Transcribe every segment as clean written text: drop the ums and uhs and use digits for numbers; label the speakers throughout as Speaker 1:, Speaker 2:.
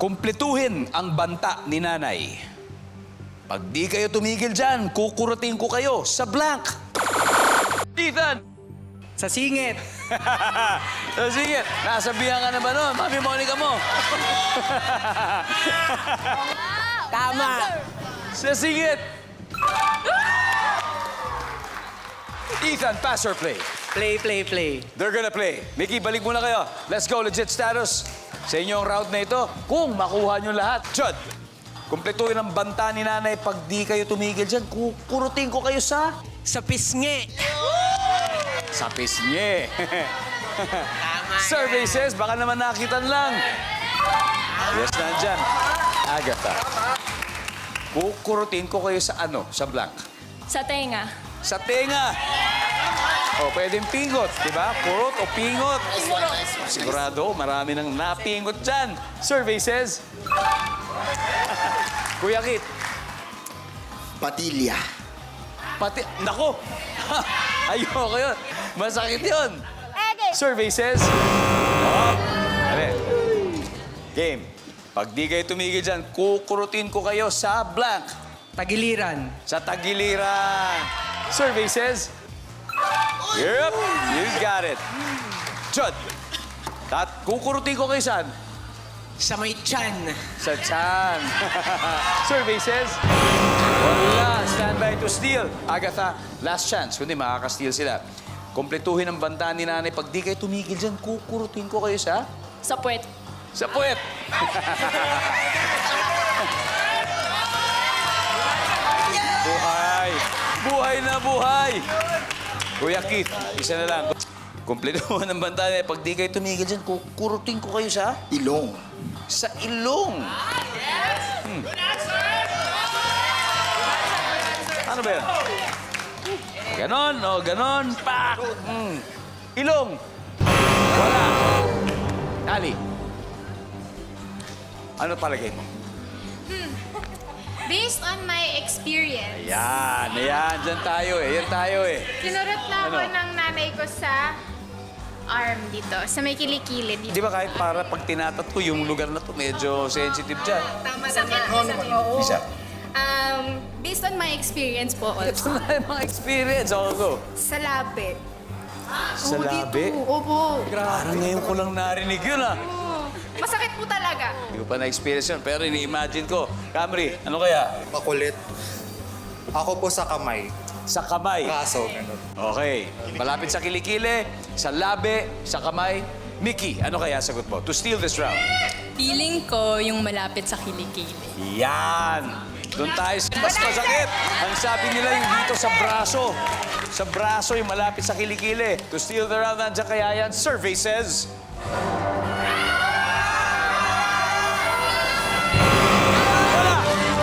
Speaker 1: Kumpletuhin ang banta ni nanay. Pag di kayo tumigil dyan, kukurutin ko kayo sa blank. Ethan!
Speaker 2: Sa singit.
Speaker 1: So, sige, nasabihan ka na ba nun? Mami Monica mo.
Speaker 2: Tama.
Speaker 1: Sa singit. Ethan, pass or play?
Speaker 2: Play, play, play.
Speaker 1: They're gonna play. Mickey, balik muna kayo. Let's go, legit status. Sa inyong round na ito, kung makuha nyo lahat. Jud, kumpletuhin ang banta ni nanay. Pag di kayo tumigil dyan, kukurutin ko kayo sa...
Speaker 2: Sa pisngi.
Speaker 1: Sa pisngi.
Speaker 2: Tama.
Speaker 1: Survey says, baka naman nakitan lang. Yes, nandyan. Agatha. Kukurutin ko kayo sa ano? Sa blank.
Speaker 3: Sa tenga.
Speaker 1: Sa tenga. O, pwedeng pingot, di ba? Kurot o pingot. Sigurado, marami nang napingot dyan. Survey says... Kuya Kit,
Speaker 4: Patilya.
Speaker 1: pati... Nako! Ayoko yun. Masakit yun. Survey says... Oh, ali. Game. Pag di kayo tumigil dyan, kukurutin ko kayo sa blank.
Speaker 2: Tagiliran.
Speaker 1: Sa tagiliran. Survey says... Yep, you got it. Jud, kukurutin ko kayo saan?
Speaker 2: Sa may tiyan.
Speaker 1: Sa tiyan. Survey says... Wala, stand by to steal. Agatha, last chance. Kundi makaka-steal sila. Kompletuhin ang banta ni nanay. Pag di kayo tumigil dyan, kukurutin ko kayo sa...
Speaker 3: Sa puwet.
Speaker 1: Sa puwet. Buhay. Buhay na buhay. Kuya Keith, isa na lang. Kumpletuhin ang banta niya. Pag di kayo tumigil dyan, kukurutin ko kayo sa...
Speaker 4: Ilong.
Speaker 1: Sa ilong. Ano ba yan? Ganon, o ganon, pak! Ilong. Wala. Ali. Ano palagay mo?
Speaker 5: Based on my experience,
Speaker 1: Ayan, ayan. Diyan tayo eh. Yan tayo eh.
Speaker 5: kinurot na ako
Speaker 1: Ano?
Speaker 5: ng nanay ko sa arm dito, sa may kilikili dito.
Speaker 1: Di ba kahit para pag tinatatoo yung lugar na to, medyo sensitive dyan.
Speaker 5: Tama naman.
Speaker 1: Isa.
Speaker 5: Based on my experience po
Speaker 1: Ito
Speaker 5: also.
Speaker 1: na yung mga experience. Ako go.
Speaker 5: Sa labi.
Speaker 1: Sa
Speaker 5: Oo,
Speaker 1: labi?
Speaker 5: dito. Opo.
Speaker 1: Parang ngayon ko lang narinig yun ah.
Speaker 5: Oo. Masakit po talaga.
Speaker 1: Hindi ko pa na-experience yun, pero ini-imagine ko. Camry, ano kaya?
Speaker 6: Makulit. Ako po sa kamay.
Speaker 1: Sa kamay.
Speaker 6: Kaso, ganun.
Speaker 1: Okay. Malapit sa kilikili, sa labi, sa kamay. Mickey, ano kaya sagot mo? To steal this round.
Speaker 3: Feeling ko yung malapit sa kilikili.
Speaker 1: Yan! Doon tayo sa mas masakit. Ang sabi nila yung dito sa braso. Sa braso yung malapit sa kilikili. To steal the round, nandiyan kaya yan. Survey says... Wala!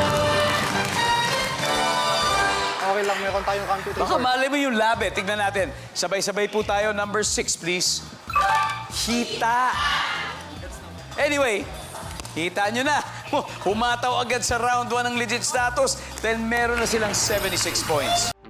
Speaker 6: Okay lang, meron tayong computer.
Speaker 1: Baka malay mo yung labi. Tignan natin. Sabay-sabay po tayo. Number 6, please. Hita. Anyway, hita nyo na. Humataw agad sa round 1 ng legit status. Then meron na silang 76 points.